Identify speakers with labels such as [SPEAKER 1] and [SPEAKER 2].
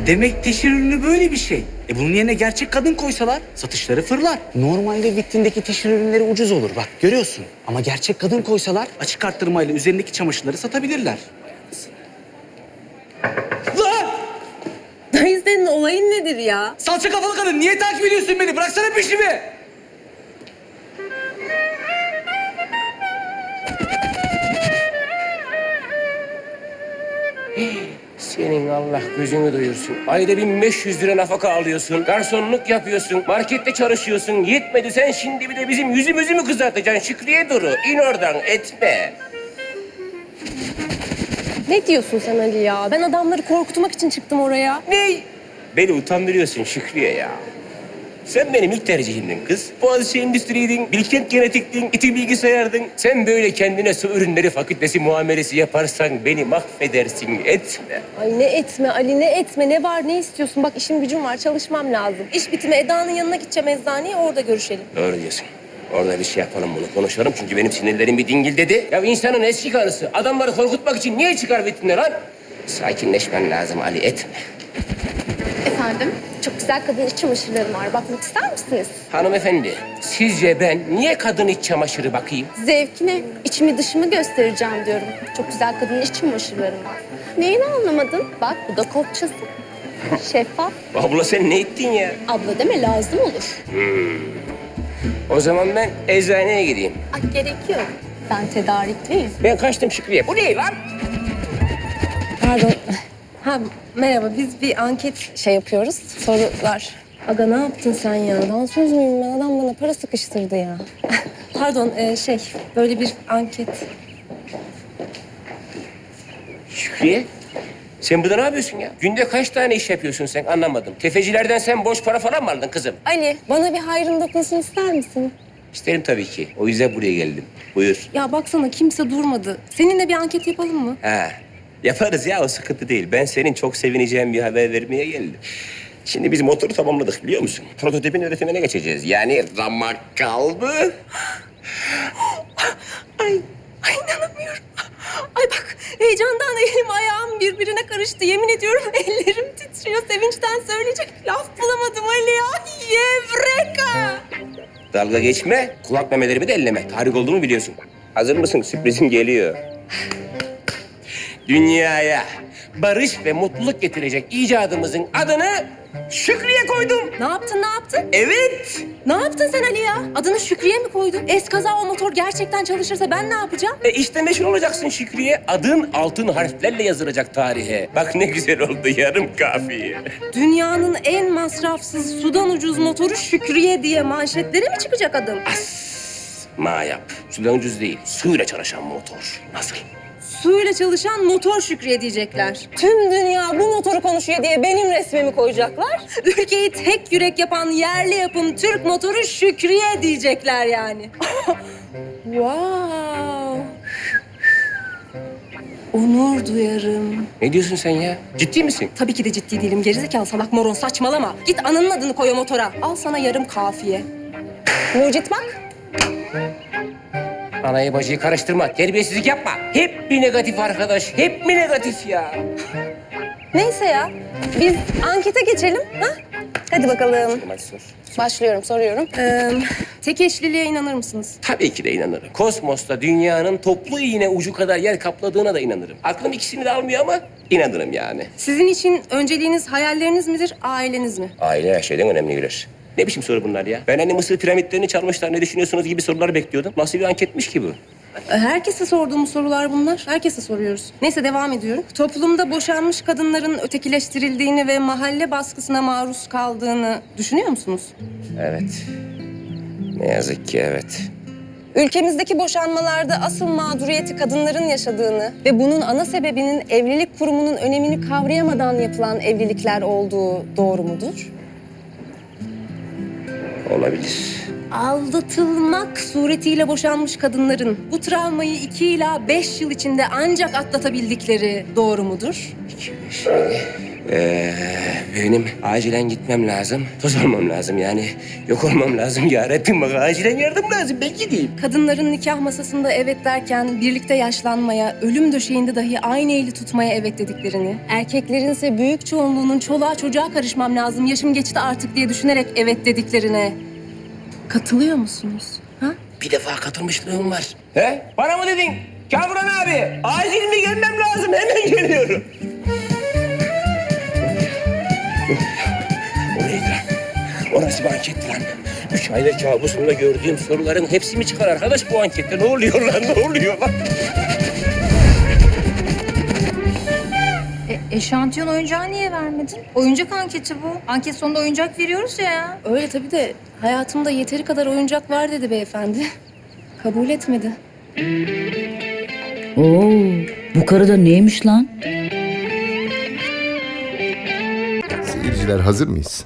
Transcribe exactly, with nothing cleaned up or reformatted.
[SPEAKER 1] Demek teşhir ürünü böyle bir şey. E bunun yerine gerçek kadın koysalar satışları fırlar. Normalde vitrindeki teşhir ürünleri ucuz olur bak görüyorsun. Ama gerçek kadın koysalar açık arttırmayla üzerindeki çamaşırları satabilirler. Lan!
[SPEAKER 2] Dayı senin olayın nedir ya?
[SPEAKER 1] Salça kafalı kadın niye takip ediyorsun beni? Bıraksana peşimi.
[SPEAKER 3] Senin Allah gözünü doyursun. Ayda bin beş yüz lira nafaka alıyorsun. Garsonluk yapıyorsun. Markette çalışıyorsun. Yetmedi sen şimdi bir de bizim yüzümüzü mü kızartacaksın Şükriye Duru? İn oradan etme.
[SPEAKER 2] Ne diyorsun sen Ali ya? Ben adamları korkutmak için çıktım oraya.
[SPEAKER 3] Ne? Beni utandırıyorsun Şükriye ya. Sen benim ilk tercihimdin kız. Boğaziçi Endüstri'ydin, Bilkent Genetik'tin, İTÜ Bilgisayar'dın. Sen böyle kendine su ürünleri fakültesi muamelesi yaparsan beni mahvedersin, etme.
[SPEAKER 2] Ay ne etme Ali, ne etme, ne var, ne istiyorsun? Bak işim gücüm var, çalışmam lazım. İş bitimi Eda'nın yanına gideceğim eczaneye, orada görüşelim.
[SPEAKER 3] Doğru diyorsun. Orada bir şey yapalım bunu konuşalım çünkü benim sinirlerim bir dingil dedi. Ya insanın eski karısı adamları korkutmak için niye çıkar vitrine lan? Sakinleşmen lazım Ali, etme.
[SPEAKER 2] Efendim? Çok güzel kadın iç çamaşırlarım var. Bakmak ister misiniz?
[SPEAKER 3] Hanımefendi, sizce ben niye kadın iç çamaşırı bakayım?
[SPEAKER 2] Zevkine, içimi dışımı göstereceğim diyorum. Çok güzel kadın iç çamaşırlarım var. Neyini anlamadın? Bak bu da kopçası. Şeffaf.
[SPEAKER 3] Abla sen ne ettin ya?
[SPEAKER 2] Abla deme, lazım olur.
[SPEAKER 3] O zaman ben eczaneye gideyim.
[SPEAKER 2] Ay gerek yok. Ben tedarikliyim.
[SPEAKER 3] Ben kaçtım Şükriye. Bu ne lan?
[SPEAKER 2] Pardon. Ha merhaba, biz bir anket şey yapıyoruz. Sorular. Aga ne yaptın sen ya? Dansöz müyüm ben? Adam bana para sıkıştırdı ya. Pardon e, şey böyle bir anket.
[SPEAKER 3] Şükriye, sen burada ne yapıyorsun ya? Günde kaç tane iş yapıyorsun sen anlamadım. Tefecilerden sen boş para falan mı aldın kızım?
[SPEAKER 2] Ali bana bir hayrın dokunsun ister misin?
[SPEAKER 3] İsterim tabii ki. O yüzden buraya geldim. Buyur.
[SPEAKER 2] Ya baksana kimse durmadı. Seninle bir anket yapalım mı?
[SPEAKER 3] Ha, yaparız ya o sıkıntı değil. Ben senin çok sevineceğin bir haber vermeye geldim. Şimdi biz motoru tamamladık biliyor musun? Prototipin üretimine geçeceğiz. Yani ramak kaldı.
[SPEAKER 2] Ay, ay inanamıyorum. Ay bak heyecandan elim ayağım birbirine karıştı. Yemin ediyorum ellerim titriyor. Sevinçten söyleyecek laf bulamadım Ali ya. Yevreka!
[SPEAKER 3] Dalga geçme, kulak memelerimi de elleme. Tarih olduğumu biliyorsun. Hazır mısın? Sürprizim geliyor. Dünyaya barış ve mutluluk getirecek icadımızın adını Şükriye koydum.
[SPEAKER 2] Ne yaptın ne yaptın?
[SPEAKER 3] Evet.
[SPEAKER 2] Ne yaptın sen Ali ya? Adını Şükriye mi koydun? Eskaza o motor gerçekten çalışırsa ben ne yapacağım?
[SPEAKER 3] E işte meşhur olacaksın Şükriye. Adın altın harflerle yazılacak tarihe. Bak ne güzel oldu yarım kafiye.
[SPEAKER 2] Dünyanın en masrafsız sudan ucuz motoru Şükriye diye manşetlere mi çıkacak adım?
[SPEAKER 3] Ma yap. Sudan ucuz değil, suyla çalışan motor. Nasıl?
[SPEAKER 2] Suyla çalışan motor Şükriye diyecekler. Tüm dünya bu motoru konuşuyor diye benim resmimi koyacaklar. Ülkeyi tek yürek yapan yerli yapım Türk motoru Şükriye diyecekler yani. Wow. Onur duyarım.
[SPEAKER 3] Ne diyorsun sen ya? Ciddi misin?
[SPEAKER 2] Tabii ki de ciddi değilim. Gerizekalı salak moron saçmalama. Git ananın adını koy o motora. Al sana yarım kafiye. Mucit bak.
[SPEAKER 3] Anayı bacıyı karıştırma, terbiyesizlik yapma. Hep bir negatif arkadaş, hep mi negatif ya?
[SPEAKER 2] Neyse ya. Biz ankete geçelim. Ha? Hadi bakalım.
[SPEAKER 3] Hadi sor.
[SPEAKER 2] Başlıyorum, soruyorum. Ee, tek eşliliğe inanır mısınız?
[SPEAKER 3] Tabii ki de inanırım. Kosmosta dünyanın toplu iğne ucu kadar yer kapladığına da inanırım. Aklım ikisini de almıyor ama inanırım yani.
[SPEAKER 2] Sizin için önceliğiniz hayalleriniz midir, aileniz mi?
[SPEAKER 3] Aile her şeyden önemli bilir. Ne biçim soru bunlar ya? Ben hani Mısır piramitlerini çalmışlar, ne düşünüyorsunuz gibi sorular bekliyordum. Nasıl bir anketmiş ki bu?
[SPEAKER 2] Herkese sorduğumuz sorular bunlar. Herkese soruyoruz. Neyse devam ediyorum. Toplumda boşanmış kadınların ötekileştirildiğini ve mahalle baskısına maruz kaldığını düşünüyor musunuz?
[SPEAKER 3] Evet. Ne yazık ki evet.
[SPEAKER 2] Ülkemizdeki boşanmalarda asıl mağduriyeti kadınların yaşadığını ve bunun ana sebebinin evlilik kurumunun önemini kavrayamadan yapılan evlilikler olduğu doğru mudur?
[SPEAKER 3] Olabilir.
[SPEAKER 2] Aldatılmak suretiyle boşanmış kadınların bu travmayı iki ila beş yıl içinde ancak atlatabildikleri doğru mudur?
[SPEAKER 3] İki, beş, yedi. Ee, benim acilen gitmem lazım. Toz olmam lazım yani. Yok olmam lazım ya Rabbim, bak acilen yardım lazım, ben gideyim.
[SPEAKER 2] Kadınların nikah masasında evet derken birlikte yaşlanmaya, ölüm döşeğinde dahi aynı eli tutmaya evet dediklerini, erkeklerin ise büyük çoğunluğunun çoluğa çocuğa karışmam lazım, yaşım geçti artık diye düşünerek evet dediklerine katılıyor musunuz? Ha?
[SPEAKER 3] Bir defa katılmışlığım var. He? Bana mı dedin? Kamuran abi, acil mi gelmem lazım? Hemen geliyorum. O neydi lan? Orası bir anketti lan. Üç aydır kabusumda gördüğüm soruların hepsi mi çıkar arkadaş bu ankette? Ne oluyor lan? Ne oluyor lan?
[SPEAKER 4] E, eşantiyon oyuncağı niye vermedin? Oyuncak anketi bu. Anket sonunda oyuncak veriyoruz ya.
[SPEAKER 2] Öyle tabii de hayatımda yeteri kadar oyuncak var dedi beyefendi. Kabul etmedi.
[SPEAKER 5] Oo, bu karı da neymiş lan?
[SPEAKER 6] Seyirciler hazır mıyız?